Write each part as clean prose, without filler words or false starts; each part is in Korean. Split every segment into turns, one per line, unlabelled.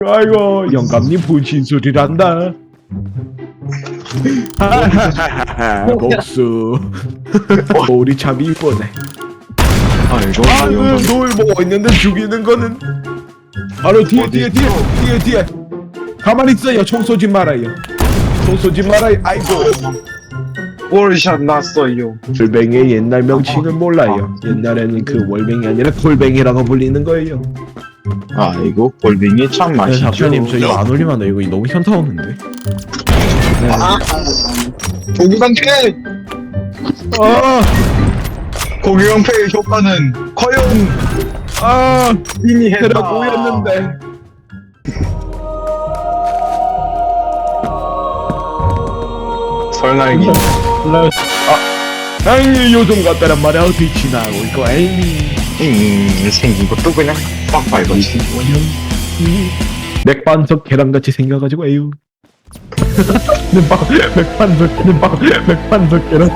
아이고 영감님 분신 소리란다. 복수. 우리 참 이쁘네.
아이고
노을 보고 있는데 죽이는 거는 바로 뒤에. 가만히 있어요. 총 쏘지 말아요. 총 쏘지 말아요. 아이고.
월샷 났어요.
골뱅이의 옛날 명칭은 몰라요. 옛날에는 그 월뱅이 아니라 골뱅이라고 불리는 거예요.
아이고 골뱅이 참 맛있죠.
작가님 저 이거 안 올리면 안 돼. 이거 너무 현타 오는데.
고기방패
아,
고기방패의 효과는 과연 이미 했다.
해라 보였는데.
설날기
아이 요즘 같다란 말이야. 빛이 나고 있고 에이.
생긴 것도 그냥 빡 밟았지.
맥반석 계란같이 생겨가지고 에휴. 맥반석 계란.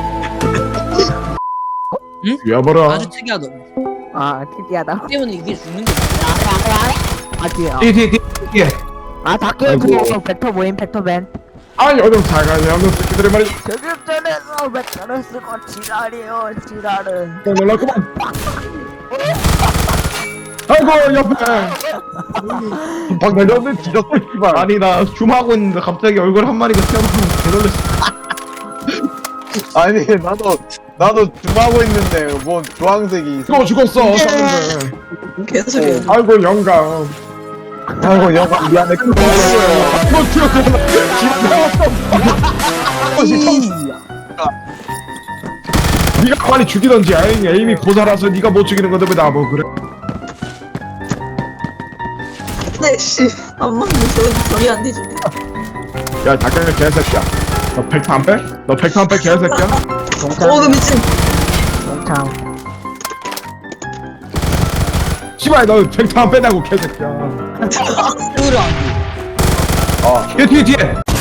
응?
야봐라.
아주 특이하다.
특이하다.
때문에 이게 죽는 게
아니야.
뒤에.
다크
아이고.
그거 벡터 모임 벡터맨.
아 요즘 사가지 않는 새끼들의 말이
교육전에서 벡터를 쓰고 지랄이요 지랄은.
놀랐구만. 아이고 옆에. 박내려는 뒤졌어 씨발. 아니 나 줌하고 있는데 갑자기 얼굴 한 마리가 튀어나오면 개놀랬어.
아니 나도 줌하고 있는데 뭐 주황색이
죽었어. 쐈는데.
개소리야.
아이고 영감.
아이고 영화 미안해.
뭐 튀어나와. 네가 빨리 죽이던지. 에임이 고사라서 네가 못 죽이는 건데 왜 나 뭐 그래?
네, 씨. 안 맞는 소리 안 되지.
야 닭강정 개새끼야. 너 팩트 안 빼? 너 팩트 안 빼 개새끼야?
그 미친.
동창.
씨발 너 팩트 안 빼냐고 개새끼야.
으라.
뒤에